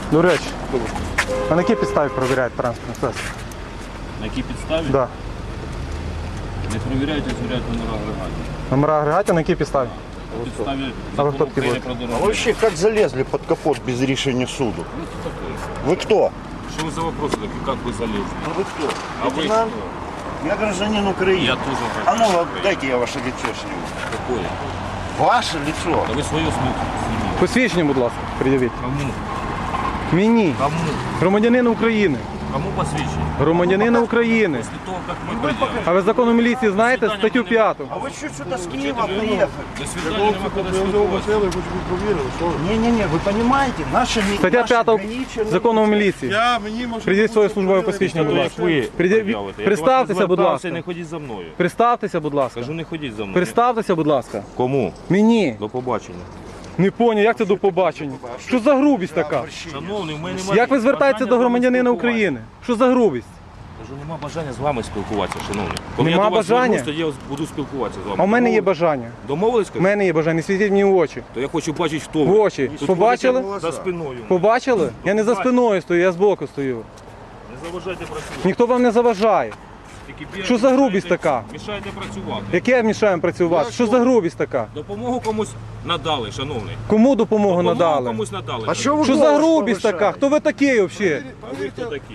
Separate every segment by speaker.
Speaker 1: До речі, а на якій підставі перевіряють транспортний засіб?
Speaker 2: На якій підставі?
Speaker 1: Да.
Speaker 2: Не перевіряють, а звіряють номера агрегатів.
Speaker 1: Номера агрегатів на якій підставі?
Speaker 2: На підставі
Speaker 1: А ви
Speaker 2: закону
Speaker 1: хто такі
Speaker 2: України
Speaker 1: будете?
Speaker 2: про
Speaker 3: А
Speaker 2: дорожній рух.
Speaker 3: вообще как залезли под капот без решения суду? Вы кто?
Speaker 2: Що ви за вопроси такі, як ви залізли?
Speaker 3: А вы кто?
Speaker 2: А ви
Speaker 3: Лейтенант?
Speaker 2: хто?
Speaker 3: Я гражданин Украины.
Speaker 2: Я тоже
Speaker 3: А ну,
Speaker 2: гражданин
Speaker 3: вот
Speaker 2: Украины.
Speaker 3: дайте я ваше лицо сниму.
Speaker 2: Какое?
Speaker 3: Ваше лицо?
Speaker 2: Та ви своє зніміть.
Speaker 1: Посвідчення, будь ласка, пред'явіть.
Speaker 2: Кому?
Speaker 1: Мені,
Speaker 2: Кому?
Speaker 1: громадянин України.
Speaker 2: Кому посвідчення?
Speaker 1: Громадянина України.
Speaker 2: Після того, як ми прийдемо.
Speaker 1: А ви закону міліції знаєте статтю 5?
Speaker 3: А вы что сюда с Киева приехали?
Speaker 2: До свидання, нема коли спілкуватися.
Speaker 3: Не-не-не, вы понимаете, наша
Speaker 1: Стаття 5 закону міліції. Придіть своє службове посвідчення, будь ласка. Представтеся, будь ласка.
Speaker 2: Не ходіть за мною.
Speaker 1: Представтеся, будь ласка.
Speaker 2: Кажу, не ходіть за мною.
Speaker 1: Представтеся, будь ласка.
Speaker 2: Кому?
Speaker 1: Мені.
Speaker 2: До побачення.
Speaker 1: Не поняв, як це до побачення? Що за грубість така?
Speaker 2: Шановний, в мене немає
Speaker 1: Як ви звертаєтеся
Speaker 2: бажання
Speaker 1: до
Speaker 2: з
Speaker 1: громадянина
Speaker 2: вами
Speaker 1: України? Що за грубість?
Speaker 2: спілкуватися. Кажу, нема бажання з вами спілкуватися, шановний. Коли
Speaker 1: Нема
Speaker 2: я до вас
Speaker 1: бажання?
Speaker 2: звернусь, тоді я буду спілкуватися з вами.
Speaker 1: А в мене є
Speaker 2: Домовились?
Speaker 1: бажання.
Speaker 2: Домовились,
Speaker 1: У
Speaker 2: кажу?
Speaker 1: мене є бажання, не світіть мені в очі.
Speaker 2: То я хочу бачити, хто
Speaker 1: В
Speaker 2: ви.
Speaker 1: очі.
Speaker 2: Тут
Speaker 1: Побачили?
Speaker 2: ходите За спиною.
Speaker 1: Побачили? Я не за спиною стою, я збоку стою.
Speaker 2: Не заважайте працювати.
Speaker 1: Ніхто вам не заважає.
Speaker 2: Тільки бігайте,
Speaker 1: Що за грубість
Speaker 2: мішаєте-
Speaker 1: така?
Speaker 2: Мішаєте працювати.
Speaker 1: Яке мішаємо працювати? Що за грубість така?
Speaker 2: Допомогу комусь надали, шановний.
Speaker 1: Кому допомогу
Speaker 2: Допомогу
Speaker 1: надали?
Speaker 2: комусь надали.
Speaker 3: А что вы
Speaker 1: Що за
Speaker 3: голос
Speaker 1: грубість така?
Speaker 3: повышаете?
Speaker 1: Хто ви такий взагалі?
Speaker 2: А ви хто такі?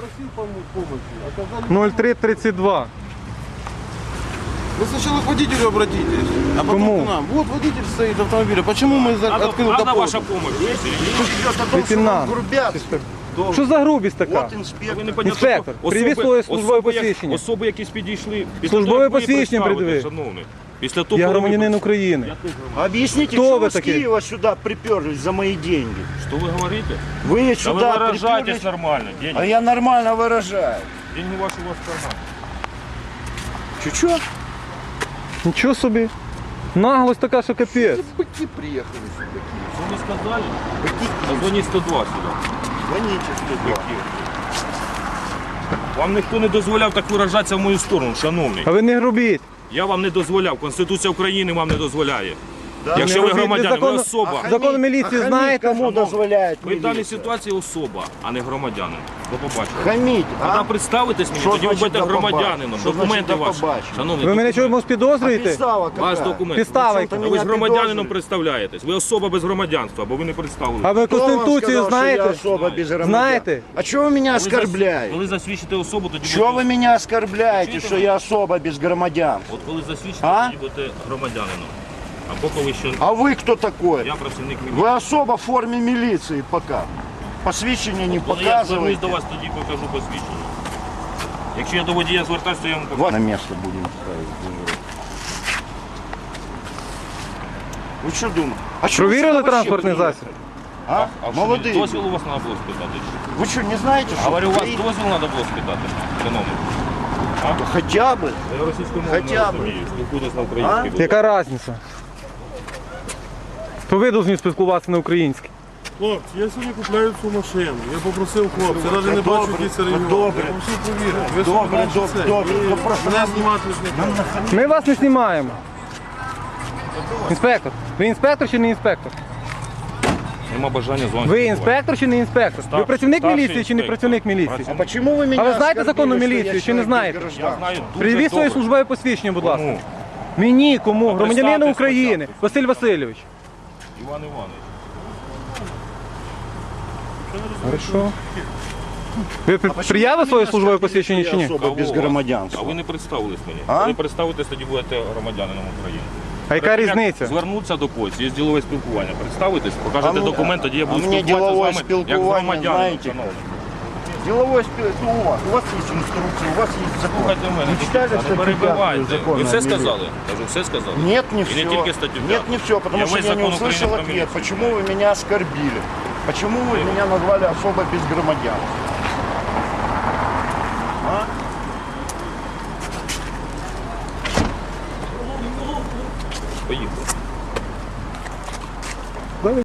Speaker 1: 0332.
Speaker 4: Вы сначала к водителю обратитесь, а потом
Speaker 1: Кому?
Speaker 4: к нам. Вот водитель стоит автомобиля. Почему мы открыл
Speaker 2: Надо
Speaker 4: капот?
Speaker 2: ваша допомога.
Speaker 3: Идет о том, что
Speaker 1: Лейтенант.
Speaker 3: вам грубят.
Speaker 1: Що за грубість така?
Speaker 3: Вот инспектор.
Speaker 1: Інспектор, привіз своє службове посвідчення.
Speaker 2: Особи якісь підійшли. Після
Speaker 1: Службове
Speaker 2: того, як ви
Speaker 1: посвідчення
Speaker 2: представите,
Speaker 1: пред'яви.
Speaker 2: шановний. Після того,
Speaker 1: Я
Speaker 2: коли ви
Speaker 1: громадянин України.
Speaker 3: Объясните,
Speaker 1: Кто
Speaker 3: что
Speaker 1: вы
Speaker 3: вы с
Speaker 1: такие?
Speaker 3: Киева сюда приперлись за мои деньги?
Speaker 2: Що ви говорите?
Speaker 3: Вы
Speaker 2: Та ви
Speaker 3: сюда
Speaker 2: виражаєтесь
Speaker 3: приперлись,
Speaker 2: нормально.
Speaker 3: а
Speaker 2: Деньги,
Speaker 3: я нормально выражаю.
Speaker 2: деньги ваші у вас в кармані.
Speaker 3: Чё-чё?
Speaker 1: Нічого собі. Наглость така, що капець.
Speaker 4: Быки приехали сюда.
Speaker 2: Що ви сказали? Позвоніть 102 сюди.
Speaker 3: Звоните сюда.
Speaker 2: Вам ніхто не дозволяв так виражатися в мою сторону, шановний.
Speaker 1: А ви не грубіть.
Speaker 2: Я вам не дозволяв. Конституція України вам не дозволяє. Якщо
Speaker 1: Не
Speaker 2: ви
Speaker 1: робіть,
Speaker 2: громадянин, ви
Speaker 1: законно-
Speaker 2: особа.
Speaker 1: Закон міліції знаєте?
Speaker 3: Кому дозволяет
Speaker 2: Ви в даній
Speaker 3: милиция?
Speaker 2: ситуації особа, а не громадянин. До побачення.
Speaker 3: Хамить,
Speaker 2: Тоді
Speaker 3: а?
Speaker 2: представитесь мені,
Speaker 3: Що
Speaker 2: тоді ви
Speaker 3: значить
Speaker 2: будете
Speaker 3: до
Speaker 2: громадянином.
Speaker 3: Що
Speaker 2: Документи
Speaker 3: значить до
Speaker 2: ваші.
Speaker 3: побачення?
Speaker 2: Шановний,
Speaker 1: Ви мене
Speaker 2: документи.
Speaker 1: чомусь підозрюєте?
Speaker 3: Підстава
Speaker 2: Ваш
Speaker 3: какая?
Speaker 2: документ.
Speaker 1: Підстава
Speaker 3: Причому
Speaker 1: яка?
Speaker 3: там
Speaker 2: А ви ж
Speaker 3: Меня
Speaker 2: громадянином
Speaker 3: підозрюють.
Speaker 2: представляєтесь. Ви особа без громадянства, бо ви не представили.
Speaker 1: А ви
Speaker 3: Кто вам
Speaker 1: Конституцію
Speaker 3: сказал, что я
Speaker 1: знаєте?
Speaker 3: особа без громадян?
Speaker 1: Знаєте?
Speaker 3: А чего вы меня оскорбляете?
Speaker 2: Коли засвідчите особу, тоді
Speaker 3: Чего вы
Speaker 2: будете...
Speaker 3: меня оскорбляете,
Speaker 2: Чуєте
Speaker 3: что
Speaker 2: ви?
Speaker 3: я особа без громадян?
Speaker 2: От коли засвідчите,
Speaker 3: А?
Speaker 2: тоді будете громадянином. Або коли ще...
Speaker 3: А вы кто такой?
Speaker 2: Я працівник міліції.
Speaker 3: Вы особа в форме милиции пока. Посвящение не
Speaker 2: Коли я звернусь
Speaker 3: показываете.
Speaker 2: до вас, тоді покажу посвідчення. Якщо я до водія звертаюся, то я вам покажу.
Speaker 3: Вот на место будем ставить. Вы что думаете? А что вы
Speaker 1: Провірили
Speaker 3: сюда вообще
Speaker 1: транспортний
Speaker 3: приехали?
Speaker 1: засіб?
Speaker 3: А?
Speaker 2: А що,
Speaker 3: Молодые.
Speaker 2: дозвіл у вас треба було спитати?
Speaker 3: Вы что, не знаете, что
Speaker 2: Говорю, у вас
Speaker 3: Украина-
Speaker 2: дозвіл треба було спитати, шановний.
Speaker 3: Хотя бы.
Speaker 2: Я російською мовою не
Speaker 3: Хоча б.
Speaker 2: розумію, спілкуйтесь на українській. будь
Speaker 1: Яка різниця? То ви повинні спілкуватися на українській.
Speaker 4: Хлопці, я сьогодні купляю цю машину. Я попросив хлопця, навіть не бачу, який це регіон.
Speaker 3: добре.
Speaker 4: Я все повірив. Ви
Speaker 3: Добре,
Speaker 4: собі
Speaker 3: добре,
Speaker 4: це.
Speaker 3: добре.
Speaker 4: Ви
Speaker 3: Ну, просто
Speaker 4: Мене
Speaker 3: нам-
Speaker 4: знімати ж не треба.
Speaker 1: Ми вас не знімаємо. Інспектор. Ви інспектор чи не інспектор?
Speaker 2: Нема бажання з вами.
Speaker 1: Ви
Speaker 2: спілкуватися.
Speaker 1: інспектор чи не інспектор? Ви
Speaker 2: Старший-
Speaker 1: працівник
Speaker 2: старший
Speaker 1: міліції чи не
Speaker 2: інспектор.
Speaker 1: працівник міліції?
Speaker 3: А почему вы меня
Speaker 1: А вы знаете
Speaker 3: оскорбили,
Speaker 1: законную
Speaker 3: что я
Speaker 1: милицию, чи не
Speaker 3: человек
Speaker 1: знаете?
Speaker 3: без
Speaker 2: Я
Speaker 3: гражданства?
Speaker 2: знаю дуже
Speaker 1: Привіз своє
Speaker 2: добре.
Speaker 1: службове посвідчення, будь ласка.
Speaker 2: Кому?
Speaker 1: Мені, кому? Громадянину
Speaker 2: представтесь
Speaker 1: України.
Speaker 2: спочатку.
Speaker 1: Василь Васильович.
Speaker 2: Іван Іванович.
Speaker 1: Хорошо. Ви приявили своє службове посвідчення чи ні?
Speaker 3: Особа без
Speaker 2: А ви
Speaker 3: громадянства.
Speaker 2: не представились мені.
Speaker 3: А?
Speaker 2: Коли представитесь, тоді будете громадянином України.
Speaker 1: А яка
Speaker 2: Перед тим, як
Speaker 1: різниця?
Speaker 2: Звернутися до когось, є ділове спілкування. Представитесь, покажете
Speaker 3: А мені-
Speaker 2: документ, тоді я буду
Speaker 3: а мені
Speaker 2: спілкуватися
Speaker 3: ділове
Speaker 2: з вами як
Speaker 3: спілкування,
Speaker 2: громадянин.
Speaker 3: знаєте?
Speaker 2: шановний.
Speaker 3: Деловой у вас есть инструкция, у вас есть закон.
Speaker 2: Слухайте мене,
Speaker 3: Вы читали
Speaker 2: не
Speaker 3: статью 5
Speaker 2: перебивайте.
Speaker 3: закона
Speaker 2: Ви все
Speaker 3: о милиции?
Speaker 2: сказали? Кажу, все сказали?
Speaker 3: Нет, не
Speaker 2: И
Speaker 3: все.
Speaker 2: не только статью
Speaker 3: Нет,
Speaker 2: 5.
Speaker 3: не все, потому
Speaker 2: Я
Speaker 3: что
Speaker 2: весь
Speaker 3: я не
Speaker 2: закон Украины
Speaker 3: услышал
Speaker 2: про
Speaker 3: ответ.
Speaker 2: милицию
Speaker 3: Почему вы меня оскорбили? Почему вы меня назвали особо без громадян? А?
Speaker 2: Поїхали.